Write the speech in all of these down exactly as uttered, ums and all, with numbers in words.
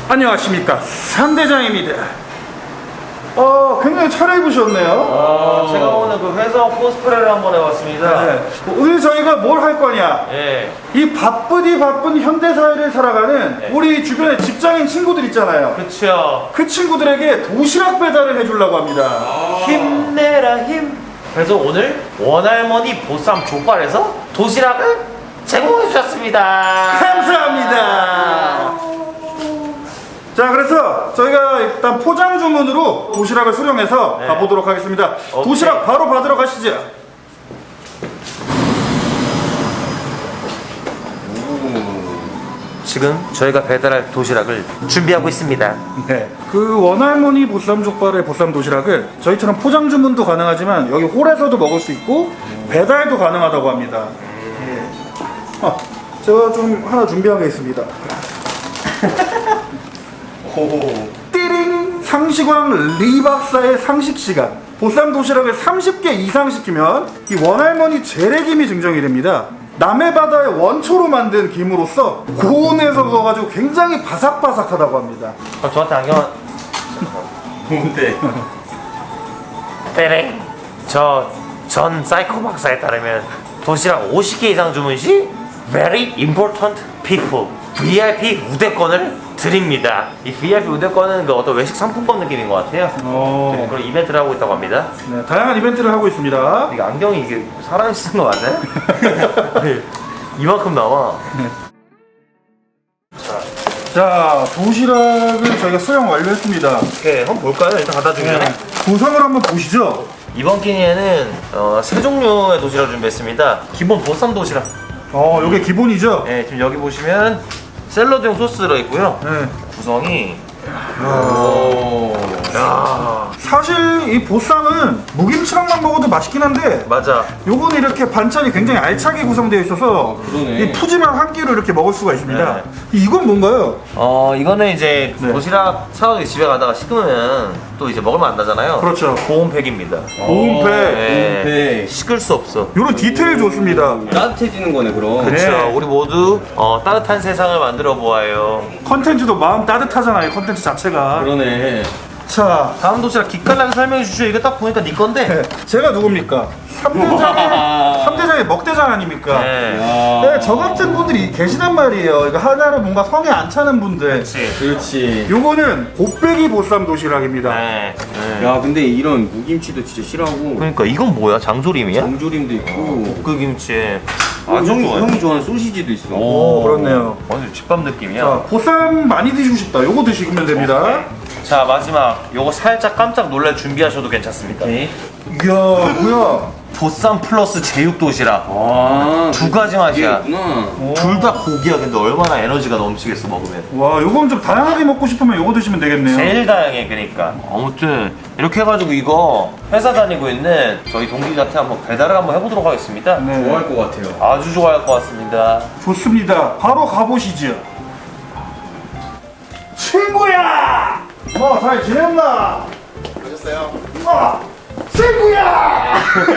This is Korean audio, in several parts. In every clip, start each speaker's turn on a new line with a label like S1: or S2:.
S1: 안녕하십니까, 삼대장입니다. 어, 굉장히 차려입으셨네요.
S2: 아, 제가 오늘 그 회사 코스프레를 한번 해봤습니다.
S1: 네. 오늘 저희가 뭘 할 거냐?
S2: 예.
S1: 이 바쁘디 바쁜 현대사회를 살아가는
S2: 네.
S1: 우리 주변에 직장인 친구들 있잖아요.
S2: 그쵸.
S1: 그 친구들에게 도시락 배달을 해주려고 합니다.
S2: 힘내라 힘. 그래서 오늘 원할머니 보쌈 족발에서 도시락을 제공해 주셨습니다.
S1: 감사합니다. 자, 그래서 저희가 일단 포장 주문으로 도시락을 수령해서
S2: 네.
S1: 가보도록 하겠습니다.
S2: 오케이.
S1: 도시락 바로 받으러 가시죠.
S2: 지금 저희가 배달할 도시락을 준비하고 있습니다.
S1: 네. 그 원할머니 보쌈 족발의 보쌈 도시락을 저희처럼 포장 주문도 가능하지만 여기 홀에서도 먹을 수 있고 배달도 가능하다고 합니다. 예. 아, 제가 좀 하나 준비한 게 있습니다. 띠링! 상식왕 리 박사의 상식 시간. 보쌈 도시락을 삼십 개 이상 시키면 이 원할머니 재래김이 증정이 됩니다. 남해 바다의 원초로 만든 김으로써 고온에서 구워가지고 굉장히 바삭바삭하다고 합니다.
S2: 그럼 저한테 안경 뭔데? 빼랭. 저 전 사이코 박사에 따르면 도시락 오십 개 이상 주문 시 Very important people 브이아이피 우대권을 드립니다. 이 브이아이피 우대권은 그 어떤 외식 상품권 느낌인 것 같아요. 네, 그런 이벤트를 하고 있다고 합니다.
S1: 네, 다양한 이벤트를 하고 있습니다.
S2: 이게 안경이 이게 사람이 쓰는 거 맞아요? 네, 이만큼 나와.
S1: 자, 도시락을 저희가 수령 완료했습니다.
S2: 오케이, 한번 볼까요? 일단 갖다 주면.
S1: 네. 구성을 한번 보시죠.
S2: 이번 끼니에는 어, 세 종류의 도시락을 준비했습니다. 기본 보쌈 도시락.
S1: 어, 요게 기본이죠?
S2: 네, 지금 여기 보시면 샐러드용 소스 들어있고요.
S1: 네.
S2: 구성이 오. 야.
S1: 사실 이 보쌈은 무김치랑만 먹어도 맛있긴 한데
S2: 맞아.
S1: 요거는 이렇게 반찬이 굉장히 알차게 구성되어 있어서
S3: 그러네.
S1: 이 푸짐한 한 끼를 이렇게 먹을 수가 있습니다.
S2: 네.
S1: 이건 뭔가요?
S2: 어 이거는 이제
S1: 네.
S2: 도시락 사가지고 집에 가다가 식으면 또 이제 먹으면 안 나잖아요.
S1: 그렇죠.
S2: 보온팩입니다.
S1: 보온팩.
S2: 네.
S3: 보온팩.
S2: 식을 수 없어.
S1: 요런 디테일 좋습니다.
S3: 따뜻해지는 거네 그럼.
S2: 그렇죠.
S1: 네.
S2: 우리 모두 어, 따뜻한 세상을 만들어 보아요.
S1: 컨텐츠도 마음 따뜻하잖아요, 컨텐츠 자체가.
S3: 그러네.
S1: 자,
S2: 다음 도시락 기깔나게 설명해 주시죠. 이거 딱 보니까 네 건데.
S1: 네. 제가 누굽니까? 삼대장의 삼대장의 먹대장 아닙니까?
S2: 네.
S1: 네, 저 같은 분들이 계시단 말이에요. 이거 하나를 뭔가 성에 안 차는 분들.
S2: 그렇지.
S3: 그렇지.
S1: 요거는 곱빼기 보쌈 도시락입니다.
S2: 네. 네.
S3: 야 근데 이런 무김치도 진짜 싫어하고
S2: 그러니까 이건 뭐야? 장조림이야?
S3: 장조림도 있고.
S2: 볶음김치.
S3: 어,
S2: 아주
S3: 형이
S2: 좋아요.
S3: 형이 좋아하는 소시지도 있어.
S1: 오, 그렇네요.
S2: 완전 집밥 느낌이야.
S1: 자, 보쌈 많이 드시고 싶다. 요거 드시면 됩니다.
S2: 자 마지막 요거 살짝 깜짝 놀랄 준비하셔도 괜찮습니다.
S1: 이야, 뭐야?
S2: 보쌈 플러스 제육 도시락
S3: 아,
S2: 두 가지 맛이야.
S3: 있구나.
S2: 둘 다 고기야. 근데 얼마나 에너지가 넘치겠어 먹으면.
S1: 와, 요건 좀 다양하게 먹고 싶으면 요거 드시면 되겠네요.
S2: 제일 다양해. 그러니까 아무튼 이렇게 해가지고 이거 회사 다니고 있는 저희 동기한테 한번 배달을 한번 해보도록 하겠습니다.
S1: 네,
S3: 좋아할 것 같아요.
S2: 아주 좋아할 것 같습니다.
S1: 좋습니다. 바로 가보시죠. 친구야! 뭐, 잘 지냈나?
S4: 오셨어요?
S1: 어, 친구야!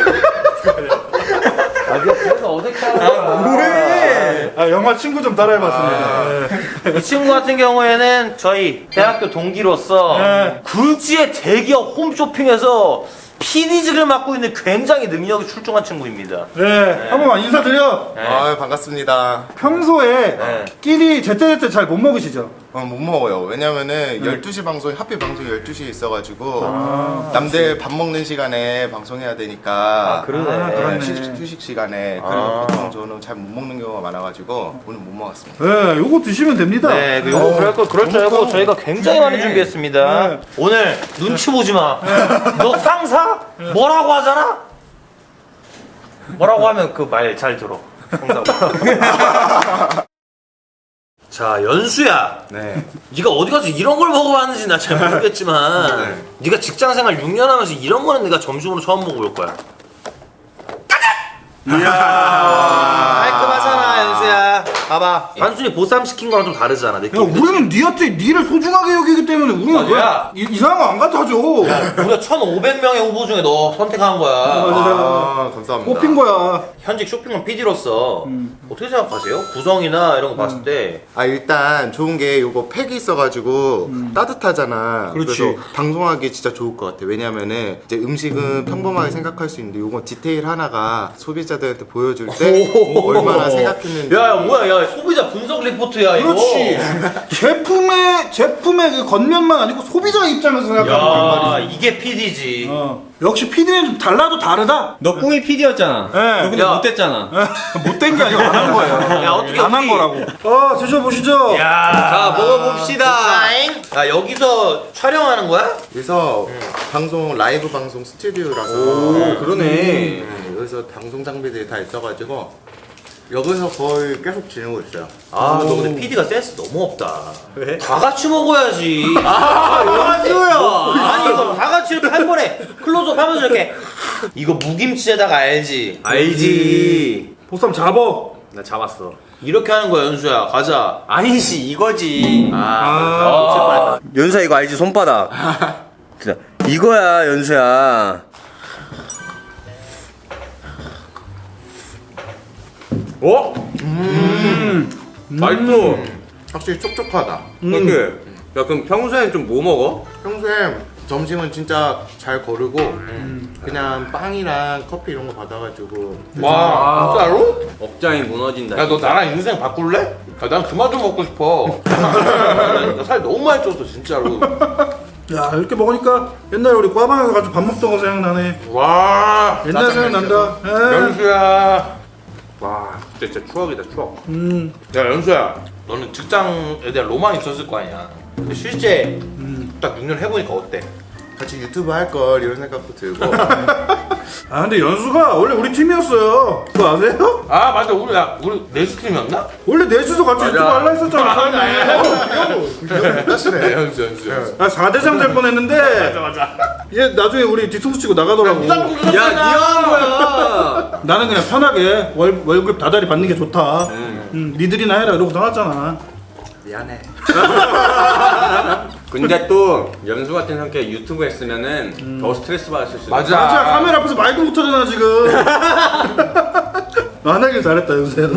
S2: 아 니가 그래서 어색하다.
S1: 왜? 아, 영화 친구 좀 따라해봤습니다.
S2: 이 친구 같은 경우에는 저희 대학교 동기로서
S1: 네.
S2: 굴지의 대기업 홈쇼핑에서 피디직을 맡고 있는 굉장히 능력이 출중한 친구입니다.
S1: 네, 한 번만 인사드려.
S2: 네.
S4: 아 반갑습니다.
S1: 평소에
S2: 네.
S1: 끼리 제때제때 잘 못 먹으시죠?
S4: 어, 못 먹어요. 왜냐면은 열두 시 방송이 하필 방송이 열두 시에 있어가지고 남들 밥 먹는 시간에 방송해야 되니까
S2: 아, 그러네.
S1: 아, 그러네.
S4: 휴식, 휴식 시간에
S2: 아.
S4: 그리고 보통 저는 잘 못 먹는 경우가 많아가지고 오늘 못 먹었습니다.
S1: 네, 요거 드시면 됩니다.
S2: 네, 그 요거 그럴 거 그럴 줄 알고
S1: 너무
S2: 저희가 굉장히 많이 준비했습니다.
S1: 네.
S2: 오늘 눈치 보지 마. 너 상사 뭐라고 하잖아? 뭐라고 하면 그 말 잘 들어. 상사. 자, 연수야.
S4: 네.
S2: 네가 어디 가서 이런 걸 먹어봤는지 나 잘 모르겠지만
S4: 네.
S2: 네가 직장생활 육 년 하면서 이런 거는 내가 점심으로 처음 먹어볼 거야.
S1: 이야.
S2: 깔끔하잖아, 연수야. 봐봐. 단순히 보쌈 시킨 거랑 좀 다르잖아
S1: 야
S2: 느낌.
S1: 우리는 니한테 니를 소중하게 여기기 때문에 우리는
S2: 맞아.
S1: 왜 이- 이상한 거 안 갖다 줘.
S2: 우리가 천오백 명의 후보 중에 너 선택한 거야.
S4: 아 감사합니다.
S1: 뽑힌 거야.
S2: 현직 쇼핑몰 피디로서 어떻게 생각하세요? 구성이나 이런 거 봤을 때
S4: 아 일단 좋은 게 요거 팩이 있어가지고 따뜻하잖아.
S1: 그렇지.
S4: 그래서 방송하기 진짜 좋을 것 같아. 왜냐면은 이제 음식은 평범하게 생각할 수 있는데 요건 디테일 하나가 소비자들한테 보여줄 때 얼마나 생각했는지.
S2: 야, 야 뭐야 야 소비자 분석 리포트야 이거.
S1: 그렇지. 제품의 제품의 그 겉면만 아니고 소비자 입장에서 생각하는 거란
S2: 야
S1: 말이지.
S2: 이게 피디지.
S1: 어. 역시 피디는 좀 달라도 다르다.
S3: 너 꿈이 피디였잖아.
S1: 네.
S3: 너 근데
S2: 야.
S3: 못됐잖아.
S1: 못된 게 아니고 안 한 거예요.
S2: 야, 어떻게
S1: 안 한
S2: 어떻게-
S1: 거라고. 아 드셔보시죠.
S2: 야,
S3: 자, 먹어봅시다.
S2: 야 여기서 촬영하는 거야?
S4: 그래서 방송 라이브 방송 스튜디오라서
S3: 오, 그러네.
S4: 네, 여기서 방송 장비들이 다 있어가지고 여기서 거의 계속 지내고 있어요.
S2: 아, 너 근데 피디가 센스 너무 없다.
S3: 왜?
S2: 다 같이 먹어야지. 아,
S3: 연수야.
S2: 아니 이거 다 같이 이렇게 한 번에 클로즈업 하면서 이렇게 이거 무김치에다가 알지?
S3: 알지.
S1: 보쌈 잡어.
S3: 나 잡았어.
S2: 이렇게 하는 거야 연수야. 가자.
S3: 아니지, 이거지.
S2: 아,
S3: 연수야, 이거 알지? 손바닥. 진짜. 이거야, 연수야. 어? 음. 맛있어.
S4: 확실히 촉촉하다.
S3: 이렇게. 야, 그럼 평소엔 좀 뭐 먹어?
S4: 평소에 점심은 진짜 잘 거르고 그냥 빵이랑 커피 이런 거 받아가지고
S2: 와 진짜로?
S3: 억장이 무너진다.
S2: 야 너 나랑 인생 바꿀래? 야, 난 그만 좀 먹고 싶어. 나 살 너무 많이 쪘어 진짜로.
S1: 야 이렇게 먹으니까 옛날에 우리 꽈방에서 같이 밥 먹던 거 생각나네.
S2: 와
S1: 옛날 생각난다. 예.
S2: 연수야.
S3: 와, 진짜, 진짜 추억이다, 추억.
S1: 음.
S2: 야 연수야. 너는 직장에 대한 로망이 있었을 거 아니야. 근데 실제 딱 육 년 해보니까 어때?
S4: 같이 유튜브 할 걸 이런 생각도 들고
S1: 아 근데 연수가 원래 우리 팀이었어요. 그거 아세요?
S2: 아 맞아 우리 야 우리 내수팀이었나?
S1: 원래 넷이서 같이 유튜브 할라 했었잖아. 처음에.
S4: 다시네.
S2: 연수 연수 연수.
S1: 아 사 대장 될 뻔했는데
S2: 맞아.
S1: 얘 나중에 우리 뒤통수 치고 나가더라고.
S3: 야, 니가 한 거야.
S1: 나는 그냥 편하게 월, 월급 다달이 받는 게 좋다. 음, 니들이나 해라 이러고 나갔잖아.
S4: 미안해.
S3: 근데 또 연수 같은 성격 유튜브 했으면은 더 스트레스 받았을 수도.
S2: 맞아.
S1: 맞아 카메라 앞에서 말도 못하잖아 지금. 안 하길 잘했다 연수야.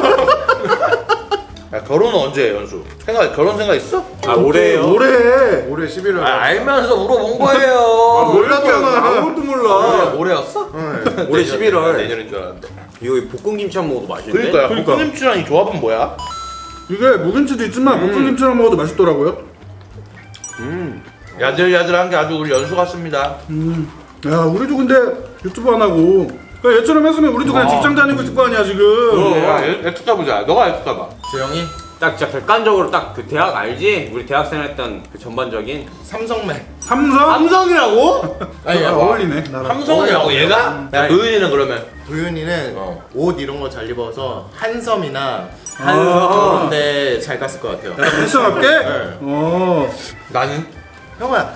S2: 야 결혼은 언제 해 연수? 생각 결혼 생각 있어?
S3: 아, 올해요?
S1: 오래 해.
S4: 올해 십일월.
S2: 아 알면서 물어본 거예요.
S1: 몰랐잖아.
S3: 아무것도 몰라.
S2: 올해 올해였어?
S3: 올해 십일월.
S2: 내년인 줄 알았는데.
S3: 이거 볶음김치 한번 먹어도 맛있는데?
S2: 그러니까요.
S1: 그러니까.
S2: 볶음김치랑 이 조합은 뭐야?
S1: 이게 묵은지도 있지만 볶음김치랑 먹어도 맛있더라고요.
S2: 야들야들한 게 아주 우리 연수 같습니다.
S1: 음. 야 우리도 근데 유튜브 안 하고 그냥 얘처럼 했으면 우리도 그냥 직장 다니고 있을 거 아니야 지금.
S2: 야 애투자 보자. 너가 애투자 봐.
S4: 재영이
S3: 딱 진짜 객관적으로 딱 그 대학 알지? 우리 대학생 했던 그 전반적인
S4: 삼성맨.
S1: 삼성?
S3: 삼성이라고?
S4: 아니
S1: 아,
S4: 야,
S1: 어울리네 나랑.
S2: 삼성이라고 얘가? 야 도윤이는 그러면
S4: 도윤이는
S2: 어.
S4: 옷 이런 거 잘 입어서 한섬이나
S1: 아.
S4: 그런 데 잘 갔을 것 같아요.
S1: 패션 할게?
S4: 네.
S1: 어.
S2: 나는
S4: 형아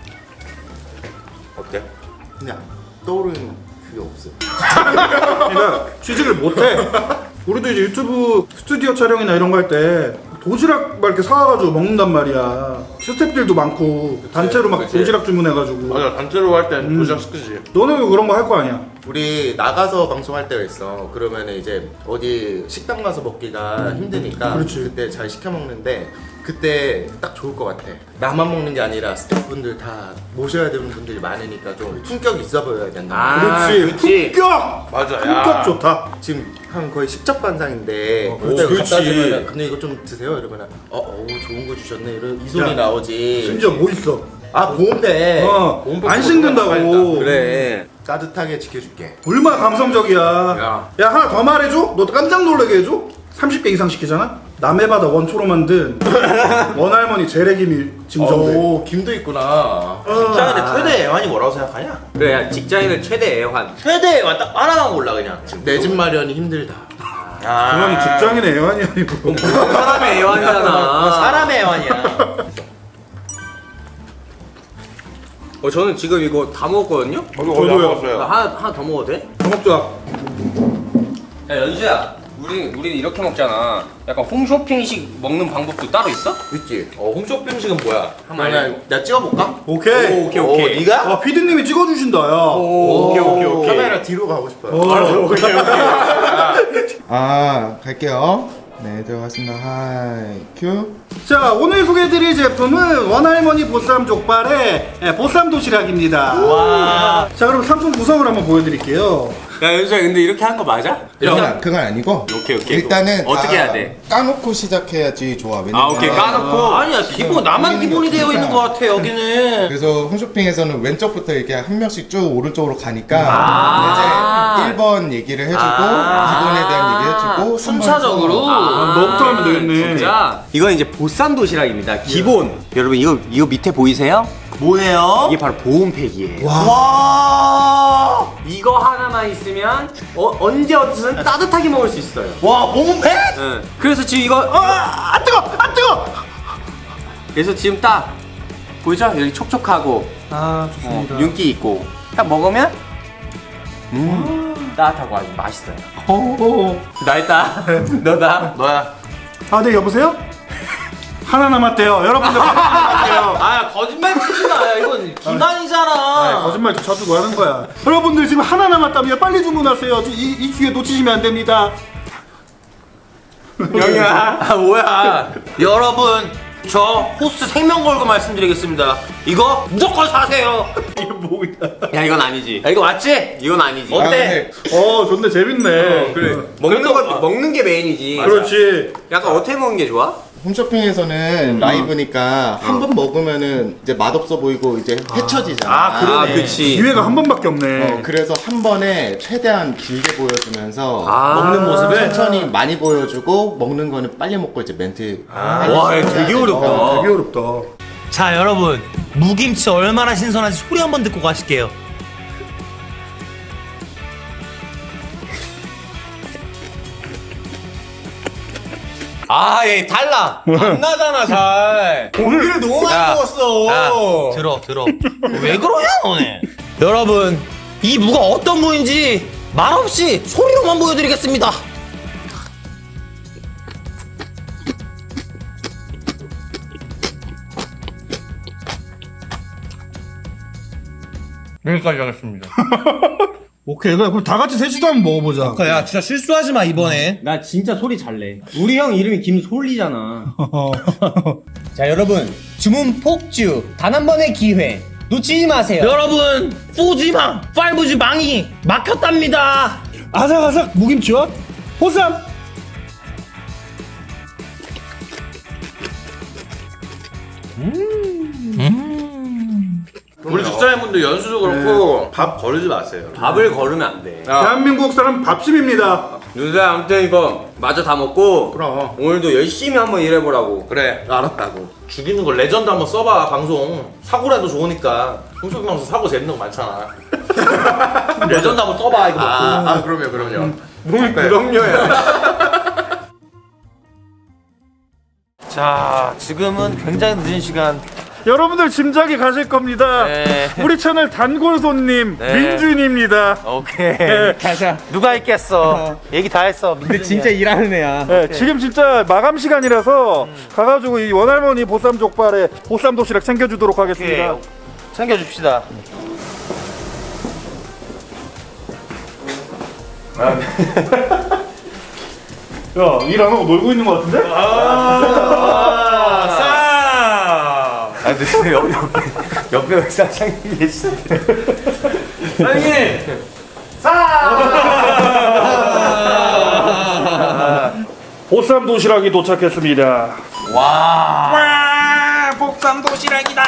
S2: 어때?
S4: 그냥 떠오르는 그게 없어.
S1: 그러니까 취직을 못해. 우리도 이제 유튜브 스튜디오 촬영이나 이런 거 할 때 도시락 막 이렇게 사와가지고 먹는단 말이야. 스태프들도 많고 단체로 막
S2: 그치.
S1: 도시락 주문해가지고.
S2: 맞아 단체로 할 땐 도시락 시키지.
S1: 너는 왜 그런 거 할 거 아니야?
S4: 우리 나가서 방송할 때가 있어. 그러면 이제 어디 식당 가서 먹기가 힘드니까
S1: 그렇지.
S4: 그때 잘 시켜 먹는데 그때 딱 좋을 것 같아. 나만 먹는 게 아니라 스태프분들 다 모셔야 되는 분들이 많으니까 좀 품격 있어 보여야 된다.
S3: 아,
S1: 그렇지.
S3: 그치.
S1: 품격.
S2: 맞아.
S1: 품격
S2: 야.
S1: 좋다.
S4: 지금 한 거의 십첩반상인데
S1: 어,
S4: 그때
S1: 그렇지.
S4: 갖다 주면 근데 이거 좀 드세요 이러면 어, 어 좋은 거 주셨네 이런 이 소리
S1: 야,
S4: 나오지.
S1: 심지어 뭐 있어?
S4: 아 보온배
S1: 어.
S2: 몸빼
S1: 안 식는다고.
S3: 그래.
S4: 따뜻하게 지켜줄게.
S1: 얼마나 감성적이야.
S3: 야.
S1: 야 하나 더 말해줘. 너 깜짝 놀라게 해줘. 삼십 개 이상 시키잖아. 남해 바다 원초로 만든 원할머니 재래김이 증정돼.
S4: 오 김도 있구나.
S2: 직장인의 최대 애환이 뭐라고 생각하냐?
S3: 그래, 야, 직장인의 최대 애환.
S2: 최대 애환 딱 하나만 골라 그냥.
S4: 내 집 마련이 힘들다.
S2: 아.
S1: 그건 직장인의 애환이 아니고.
S3: 사람의 애환이잖아.
S2: 사람의 애환이야.
S3: 어, 저는 지금 이거 다 먹었거든요?
S2: 저도
S1: 저도요.
S3: 나 하나, 하나 더 먹어도 돼?
S1: 더 먹자.
S3: 야, 연수야. 우리 우리 이렇게 먹잖아. 약간 홈쇼핑식 먹는 방법도 따로 있어?
S5: 있지. 어, 홈쇼핑식은 뭐야?
S3: 한번 알려.
S5: 내가 찍어볼까?
S1: 오케이.
S3: 오, 오케이 오케이.
S5: 오, 네가?
S1: 아, 피디님이 찍어주신다, 야.
S3: 오, 오케이 오케이 오케이.
S4: 카메라 뒤로 가고 싶어요.
S3: 오케이 오케이.
S4: 아, 갈게요. 네, 들어갔습니다. 하이, 큐.
S1: 자, 오늘 소개해드릴 제품은 원할머니 보쌈 족발의 예, 보쌈 도시락입니다.
S2: 와.
S1: 자, 그럼 상품 구성을 한번 보여드릴게요.
S3: 야 연수야 근데 이렇게 하는 거 맞아?
S4: 그건, 그건 아니고.
S3: 오케이, 오케이.
S4: 일단은
S3: 어떻게
S4: 다
S3: 해야 돼?
S4: 까놓고 시작해야지 좋아. 왜냐면
S3: 아 오케이 까놓고.
S2: 아니야 기본 나만 기본이 되어 있는 것 같아 여기는.
S4: 그래서 홈쇼핑에서는 왼쪽부터 이렇게 한 명씩 쭉 오른쪽으로 가니까
S2: 아.
S4: 이제 일 번 얘기를 해주고
S2: 아.
S4: 기본에 대한 얘기 해주고
S2: 순차적으로.
S1: 아, 너부터 하면 되겠네.
S3: 진짜 이건 이제 보쌈 도시락입니다. 기본. 여러분 이거 이거 밑에 보이세요?
S2: 뭐예요?
S3: 이게 바로 보온팩이에요.
S2: 와.
S3: 이거 하나만 있으면 어, 언제 어디서든 따뜻하게 먹을 수 있어요.
S2: 와 몸팩?
S3: 응. 그래서 지금 이거
S1: 아, 아, 뜨거! 아, 뜨거!
S3: 그래서 지금 딱 보이죠? 여기 촉촉하고
S1: 아,
S3: 어, 윤기 있고 딱 먹으면 음 따뜻하고 아주 맛있어요.
S1: 오.
S3: 나 있다. 너다.
S2: 너야.
S1: 아, 네, 여보세요? 하나 남았대요. 여러분들 하나 남았대요.
S2: 아 거짓말 치지 마. 이건
S1: 아,
S2: 기만이잖아.
S1: 거짓말 쳐주고 하는 거야. 여러분들 지금 하나 남았다면 빨리 주문하세요. 이, 이 기회 놓치시면 안 됩니다.
S3: 영희야.
S2: 아 뭐야. 여러분 저 호스 생명 걸고 말씀드리겠습니다. 이거 무조건 사세요.
S1: 이거 뭐야?
S3: 야 이건 아니지.
S2: 야, 이거 맞지?
S3: 이건 아니지.
S2: 어때?
S1: 어, 좋네. 재밌네.
S3: 그래. 먹는 거 먹는 게 메인이지.
S1: 그렇지.
S3: 약간 어떻게 먹는 게 좋아?
S4: 홈쇼핑에서는 라이브니까 한 번 먹으면은 이제 맛없어 보이고 이제 헤쳐지잖아.
S2: 아, 그러네.
S3: 아, 그치.
S1: 기회가 한 번밖에 없네.
S4: 어, 그래서 한 번에 최대한 길게 보여주면서
S3: 아.
S4: 먹는 모습을 천천히 많이 보여주고 먹는 거는 빨리 먹고 이제 멘트 빨리
S2: 와,
S4: 시작해야
S2: 되게
S4: 돼서.
S2: 어렵다.
S1: 어, 되게 어렵다.
S6: 자 여러분 무김치 얼마나 신선한지 소리 한번 듣고 가실게요.
S2: 아, 얘 달라. 안 나잖아, 잘. 고기를 너무 많이 먹었어.
S6: 들어 들어 왜 그러냐 너네. 여러분 이 무가 어떤 무인지 말없이 소리로만 보여드리겠습니다. 여기까지 하겠습니다.
S1: 오케이, 그래. 그럼 다 같이 셋이도 한번 먹어보자.
S6: 야 진짜 실수하지 마 이번에.
S3: 나 진짜 소리 잘 내. 우리 형 이름이 김솔리잖아.
S7: 자 여러분 주문 폭주 단 한 번의 기회 놓치지 마세요.
S6: 여러분 포지망 파이브지 망이 막혔답니다.
S1: 아삭아삭 무김치와 보쌈.
S5: 우리 직장인분들 연수도 그렇고 밥 거르지 마세요.
S3: 밥을 거르면 안 돼.
S1: 대한민국 사람 밥심입니다.
S3: 윤수야 아무튼 이거 마저 다 먹고
S5: 그럼.
S3: 오늘도 열심히 한번 일해보라고.
S5: 그래, 알았다고. 죽이는 거 레전드 한번 써봐, 방송. 사고라도 좋으니까. 홈쇼핑 방송 사고 재밌는 거 많잖아. 레전드 한번 써봐, 이거 먹고.
S4: 아, 아 그럼요 그럼요.
S1: 몸이 그럼요야.
S2: 자, 지금은 굉장히 늦은 시간.
S1: 여러분들 짐작이 가실 겁니다.
S2: 네.
S1: 우리 채널 단골 손님
S2: 네.
S1: 민준입니다.
S2: 오케이.
S7: 가자.
S2: 누가 있겠어? 얘기 다 했어.
S7: 근데 진짜 일하는 애야.
S1: 네, 지금 진짜 마감 시간이라서 가가지고 이 원할머니 보쌈 족발에 보쌈 도시락 챙겨주도록 하겠습니다.
S2: 오케이. 챙겨줍시다.
S1: 야, 일 안 하고 놀고 있는 것 같은데?
S2: 아, 근데 옆, 옆, 옆에 사장님이 계시는데. 사장님!
S1: 보쌈 도시락이 도착했습니다.
S2: 와, 복삼 도시락이다.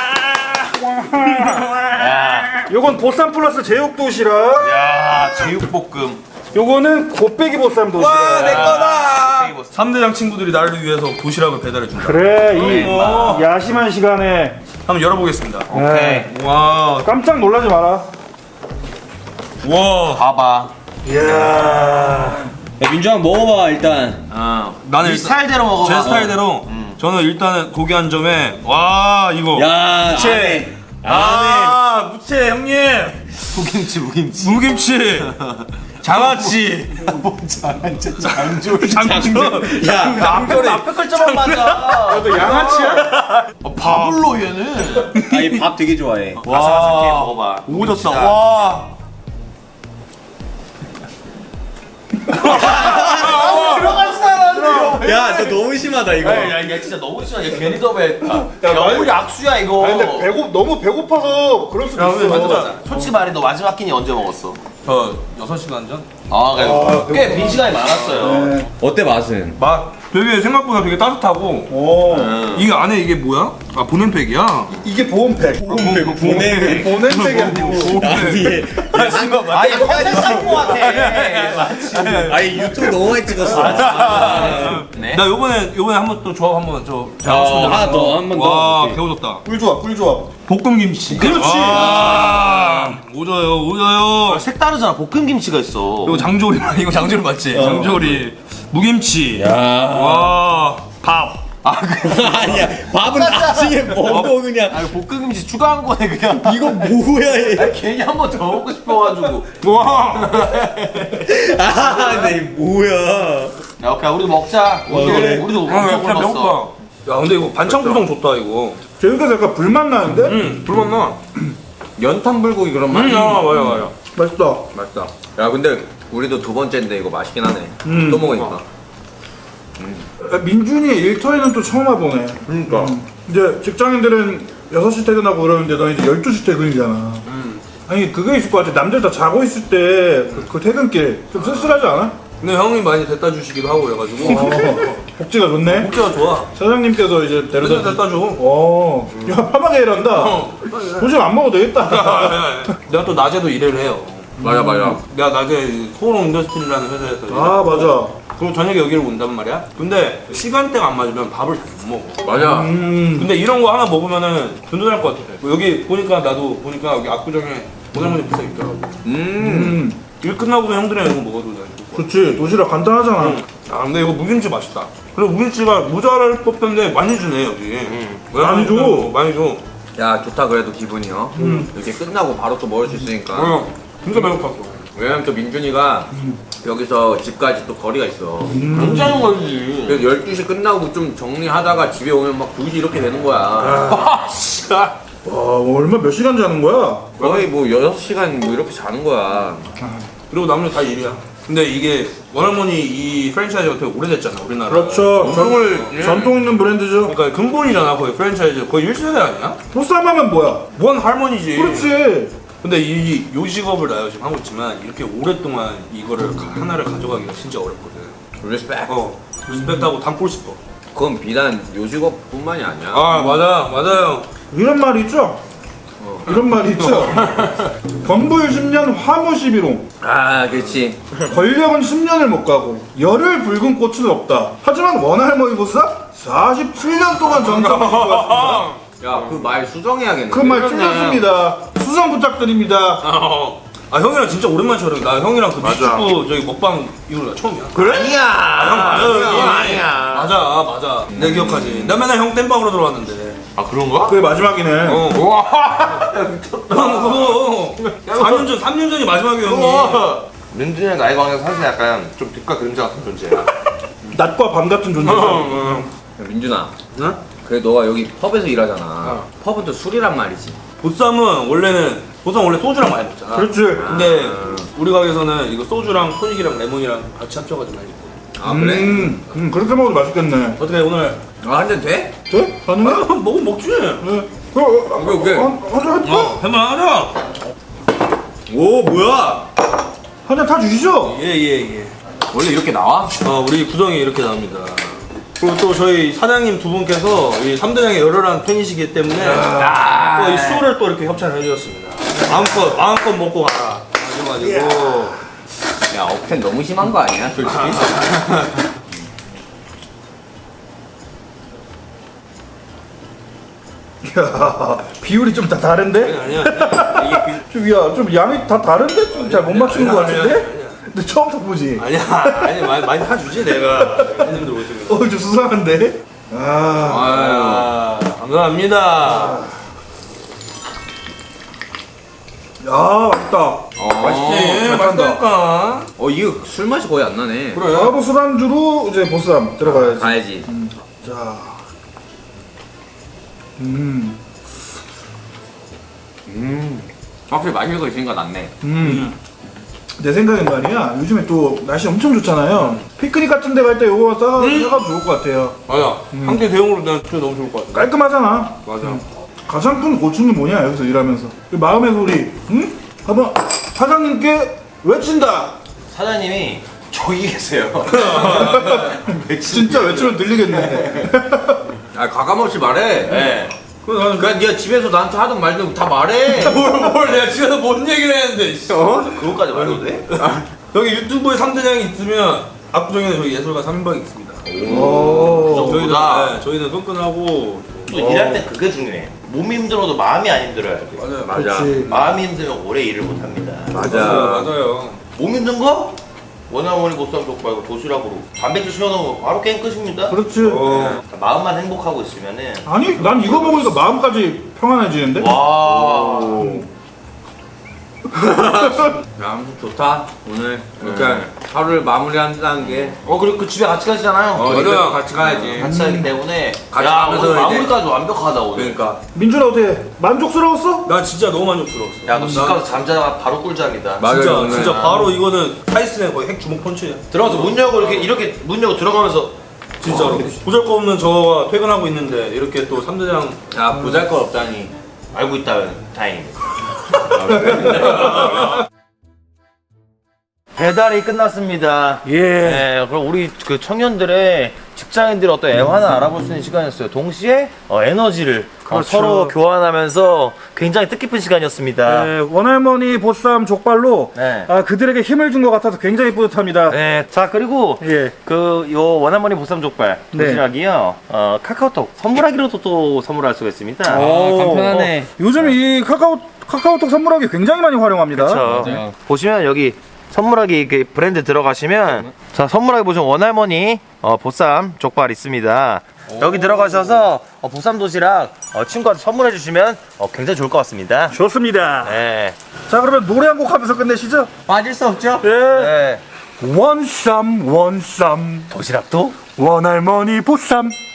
S1: 요건 보쌈 플러스 제육 도시락.
S2: 야, 제육볶음.
S1: 요거는 곱빼기 보쌈 도시락.
S2: 내 거다.
S5: 삼 대장 친구들이 나를 위해서 도시락을 배달해준다.
S1: 그래, 이 야심한 시간에
S5: 한번 열어보겠습니다.
S1: 네.
S5: 와,
S1: 깜짝 놀라지 마라.
S5: 와.
S2: 봐봐.
S1: 이야.
S3: 야 민주 한번 먹어봐 일단.
S5: 아, 나는
S2: 네
S5: 일단
S2: 스타일대로 먹어봐.
S5: 제 스타일대로 저는 일단은 고기 한 점에 와 이거
S3: 야
S5: 무채 아 무채 형님
S2: 무김치, 무김치.
S5: 무김치
S7: 장아찌.
S3: 장아찌 장조리.
S7: 장조. 야,
S3: 앞에 앞에 글자만 맞아.
S1: 너 양아치야?
S5: 밥을로 얘는.
S3: 아니 밥 되게 좋아해.
S5: 아삭아삭해 먹어봐.
S7: 오졌다. 와.
S3: 야, 너 너무 심하다 이거.
S5: 야, 이게 진짜 너무 심하게 괜히 더배했다.
S1: 야, 말-
S5: 우리 악수야 이거.
S1: 아니 근데 배고 너무 배고파서 그럴 수도 있어.
S5: 맞아 맞아. 솔직히 말해 너 마지막 끼니 언제 먹었어?
S7: 저 여섯 시간 전?
S5: 아,
S1: 아,
S5: 그래. 꽤 빈 시간이 많았어요.
S1: 네.
S3: 어때 맛은?
S7: 맛 되게 생각보다 되게 따뜻하고.
S1: 오.
S7: 이게 안에 이게 뭐야? 아 보냉팩이야.
S1: 이게 보온팩. 보온팩. 보온팩. 보냉팩이 아니고.
S3: 아니
S5: 아, 이거 편집 짬뽕 같아. 맞지.
S3: 아니 유튜브 너무 많이 찍었어.
S5: 네.
S7: 나 요번에 요번에 한번 또 조합 한번 저.
S3: 어, 하나 더, 한번 더.
S7: 와
S3: 오케이.
S7: 배워졌다.
S1: 꿀조합, 꿀조합.
S7: 볶음 김치.
S1: 그렇지.
S7: 아, 오져요 오져요.
S5: 색다르잖아. 볶음 김치가 있어.
S7: 이거 장조림 이거 장조림 맞지? 장조림 무김치.
S3: 야.
S7: 와 밥.
S3: 아니야 밥은 나중에 먹어 그냥.
S5: 아니 볶음 김치 추가한 거네 그냥.
S3: 이거 뭐야 얘.
S5: 아니, 괜히 한 번 더 먹고 싶어가지고.
S7: 와.
S3: 아, 네 뭐야.
S5: 야, 오케이 우리도 먹자. 우리도
S3: 그래.
S5: 우리도
S7: 아,
S5: 엄청
S7: 그냥
S5: 굶었어.
S7: 배고파. 야 근데 이거 반찬 구성 좋다 이거.
S1: 재밌게 약간 불맛 나는데?
S7: 음 불맛 나.
S3: 연탄 불고기 그런 맛.
S7: 음, 아 맞아 맞아.
S1: 맛있다.
S3: 맛있다. 야 근데 우리도 두 번째인데 이거 맛있긴 하네.
S1: 음.
S3: 또 먹으니까.
S1: 야, 민준이 일터에는 또 처음 와보네.
S3: 그러니까.
S1: 음. 이제 직장인들은 여섯 시 퇴근하고 그러는데 너 이제 열두 시 퇴근이잖아. 아니 그게 있을 것 같아. 남들 다 자고 있을 때 그 그 퇴근길 좀 쓸쓸하지 않아?
S7: 근데 형이 많이 데려다 주시기도 하고 그래가지고.
S1: 어, 복지가 좋네.
S7: 목재가 좋아.
S1: 사장님께서 이제 데려다
S7: 맨날 데려다 줘.
S1: 어, 야 편하게 일한다.
S7: 어.
S1: 도시락 안 먹어도 되겠다.
S7: 내가 또 낮에도 일을 해요.
S3: 맞아 맞아.
S7: 내가 낮에 소롱 인더스트리라는 회사에서 일을
S1: 아 맞아.
S7: 그리고 저녁에 여기를 온단 말이야. 근데 시간대가 안 맞으면 밥을 잘 못 먹어.
S3: 맞아.
S1: 음.
S7: 근데 이런 거 하나 먹으면은 든든할 것 같아. 뭐 여기 보니까 나도 보니까 여기 압구정에 오늘문이 부서 있더라고.
S3: 음.
S1: 음.
S7: 일 끝나고도 형들이랑 이거 먹어도 돼.
S1: 그렇지. 도시락 간단하잖아.
S7: 아 근데 이거 무김치 맛있다. 그리고 무김치가 모자랄 법한데 많이 주네 여기. 왜
S1: 많이 줘.
S7: 어, 많이 줘.
S3: 야 좋다 그래도 기분이요. 이렇게 끝나고 바로 또 먹을 수 있으니까.
S7: 어, 진짜 배고팠어.
S3: 왜냐면 또 민준이가 여기서 집까지 또 거리가 있어.
S5: 굉장히 멀지.
S3: 그래서 열두 시 끝나고 좀 정리하다가 집에 오면 막 두 시 이렇게 되는 거야.
S5: 아, 진짜.
S1: 와 얼마 몇 시간 자는 거야?
S3: 거의 뭐 여섯 시간 뭐 이렇게 자는 거야.
S7: 그리고 나머지 다 일이야. 근데 이게 원할머니 이 프랜차이즈가 되게 오래됐잖아 우리나라.
S1: 그렇죠.
S7: 전통을
S1: 전, 전통 있는 브랜드죠.
S7: 그러니까 근본이잖아 거의 프랜차이즈 거의 일 세대 아니야?
S1: 보쌈하면 뭐야?
S7: 원 할머니지.
S1: 그렇지.
S7: 근데 이 요 직업을 나 요즘 하고 있지만 이렇게 오랫동안 이거를 가- 하나를 가져가기가 진짜 어렵거든.
S3: 리스펙.
S7: 어, 리스펙트하고 담고 싶어.
S3: 그건 비단 요직업뿐만이 아니야.
S7: 아 맞아 맞아요.
S1: 이런 말이 있죠? 이런 말이 있죠? 건불 십 년 화무 십일홍.
S3: 아 그렇지.
S1: 권력은 십 년을 못 가고 열을 붉은 꽃은 없다. 하지만 원할머니 보쌈 사십칠 년 동안 정착을 해왔습니다.
S3: 야 그 말 수정해야겠네.
S1: 그 말 틀렸습니다. 수정 부탁드립니다.
S7: 어. 아 형이랑 진짜 오랜만에 촬영. 나 형이랑 그 미식구 저기 먹방 이후로 나 처음이야.
S3: 그래? 아니야.
S7: 형 맞아.
S3: 그건 아니야.
S7: 맞아 맞아. 내 기억하지. 나 맨날 형 땜빵으로 들어왔는데.
S5: 아 그런가?
S1: 그게 마지막이네.
S7: 어. 형 그거 사 년 전, 삼 년 전이 마지막이야 형이.
S5: 민준이랑 나이 관계가 사실 약간 좀 빛과 그림자 같은 존재야.
S1: 낮과 밤 같은 존재.
S7: 어.
S3: 야, 민준아.
S7: 응?
S3: 그래 너가 여기 펍에서 일하잖아. 펍은 또 술이란 말이지.
S7: 보쌈은 원래는 보쌈 원래 소주랑 많이 먹잖아.
S1: 그렇지.
S7: 근데 우리 가게에서는 이거 소주랑 토닉이랑 레몬이랑 같이 합쳐가지고 많이 먹고.
S3: 아 그래?
S1: 음, 음, 그렇게 먹어도 맛있겠네.
S7: 어떻게 오늘
S3: 아 한 잔 돼?
S1: 돼? 가능해?
S7: 아, 먹으면 먹지.
S1: 네. 그럼 어,
S3: 오케이, 오케이.
S1: 한, 한잔 할까?
S7: 어, 해만하자.
S3: 오 뭐야?
S1: 한잔 타주시죠?
S7: 예예 예.
S3: 원래 이렇게 나와?
S7: 어, 우리 구성이 이렇게 나옵니다. 그리고 또 저희 사장님 두 분께서 이 삼대장의 열혈한 팬이시기 때문에 또 이 술을 또 이렇게 협찬을 해주셨습니다. 마음껏 마음껏 먹고 가라. 하셔가지고
S3: 야 억텐 너무 심한 거 아니야 솔직히?
S1: 이야, 비율이 좀 다 다른데?
S7: 아니야 아니야 이게 그
S1: 좀, 야, 좀 양이 다 다른데? 좀 잘 못 맞추는 것
S7: 아니야,
S1: 같은데?
S7: 아니야.
S1: 근데 처음부터 보지?
S7: 아니야 아니 많이 많이 사주지 내가 손님들 오시면.
S1: 어, 좀 수상한데? 아,
S7: 아 감사합니다.
S1: 야 맛있다.
S7: 맛있지.
S1: 잘
S7: 맛있다니까.
S3: 어 이거 술 맛이 거의 안 나네.
S7: 그래.
S1: 바로 술안주로 이제 보쌈 들어가야지.
S3: 가야지.
S1: 자, 음,
S3: 확실히 마실 거 있으니까 낫네.
S1: 음. 내 생각엔 말이야. 요즘에 또 날씨 엄청 좋잖아요. 피크닉 같은 데 갈 때 요거 싸가 싸가도 좋을 것 같아요.
S7: 맞아. 한 개 대용으로 난 진짜 너무 좋을 것 같아.
S1: 깔끔하잖아.
S7: 맞아.
S1: 가장 큰 고충이 뭐냐 여기서 일하면서 그 마음의 소리. 응? 한번 사장님께 외친다.
S2: 사장님이 저기 계세요.
S1: 진짜 외치면 들리겠네.
S3: 아 가감 없이 말해.
S2: 네.
S3: 그냥 네가 집에서 나한테 하든 말든 다 말해.
S7: 뭘, 뭘 내가 집에서 뭔 얘기를 했는데. 씨. 어?
S2: 그것까지 말해도 돼?
S7: 여기 유튜브에 삼 대장이 있으면 압구정에는 저희 예술가 삼 인방이 있습니다.
S1: 오.
S7: 저희는,
S2: 보다.
S7: 네, 저희는 끈끈하고.
S2: 또 일할 때 그게 중요해. 몸이 힘들어도 마음이 안 힘들어야 돼.
S7: 맞아요.
S1: 그렇지.
S2: 마음이 힘들면 오래 일을 못 합니다.
S7: 맞아요. 맞아요.
S2: 몸 힘든 거? 원어머니 보쌈 족발고 도시락으로 단백질 씌워놓으면 바로 게임 끝입니다.
S1: 그렇지.
S7: 어.
S2: 마음만 행복하고 있으면은
S1: 아니 난 이거 먹으니까 마음까지 평안해지는데?
S2: 와
S3: 야, 아무튼 좋다. 오늘 그러니까 하루를 마무리한다는 게.
S2: 어 그리고 그 집에 같이 가시잖아요.
S3: 어, 이거 같이 가야지.
S2: 같이 가기 때문에
S3: 같이
S2: 야
S3: 가면서
S2: 오늘
S3: 이제-
S2: 마무리까지 완벽하다 오늘.
S3: 그러니까.
S1: 민준아 어때? 만족스러웠어?
S7: 난 진짜 너무 만족스러웠어.
S2: 야 너 집 가서 잠자다가 바로 꿀잠이다.
S3: 맞아요,
S7: 진짜
S3: 오늘.
S7: 진짜 바로 이거는 타이슨의 거의 핵 주먹 펀치야.
S2: 들어가서 문 열고 이렇게 이렇게 문 열고 들어가면서
S7: 진짜로. 보잘것없는 저가 퇴근하고 있는데 이렇게 또 삼 대장
S3: 야 보잘것 없다니.
S2: 알고 있다면 다행입니다. 배달이 끝났습니다.
S1: 예.
S2: 네, 그럼 우리 그 청년들의 직장인들의 어떤 애환을 알아볼 수 있는 시간이었어요. 동시에 어, 에너지를 어,
S1: 그렇죠.
S2: 서로 교환하면서 굉장히 뜻깊은 시간이었습니다.
S1: 네, 원할머니 보쌈 족발로
S2: 네.
S1: 아, 그들에게 힘을 준 것 같아서 굉장히 뿌듯합니다.
S2: 네, 자 그리고
S1: 예.
S2: 그 요 원할머니 보쌈 족발
S1: 네.
S2: 도시락이요. 어, 카카오톡 선물하기로도 또 선물할 수가 있습니다.
S1: 오,
S3: 간편하네.
S1: 어, 요즘 이 카카오 카카오톡 선물하기 굉장히 많이 활용합니다.
S2: 그렇죠. 보시면 여기 선물하기 그 브랜드 들어가시면 자 선물하기 보시면 원할머니 어, 보쌈 족발 있습니다. 여기 들어가셔서 어, 보쌈 도시락 어, 친구한테 선물해 주시면 어, 굉장히 좋을 것 같습니다.
S1: 좋습니다.
S2: 네.
S1: 자 그러면 노래 한 곡 하면서 끝내시죠.
S3: 빠질 수 없죠?
S1: 예.
S2: 네.
S1: 원쌈 원쌈
S2: 도시락도
S1: 원할머니 보쌈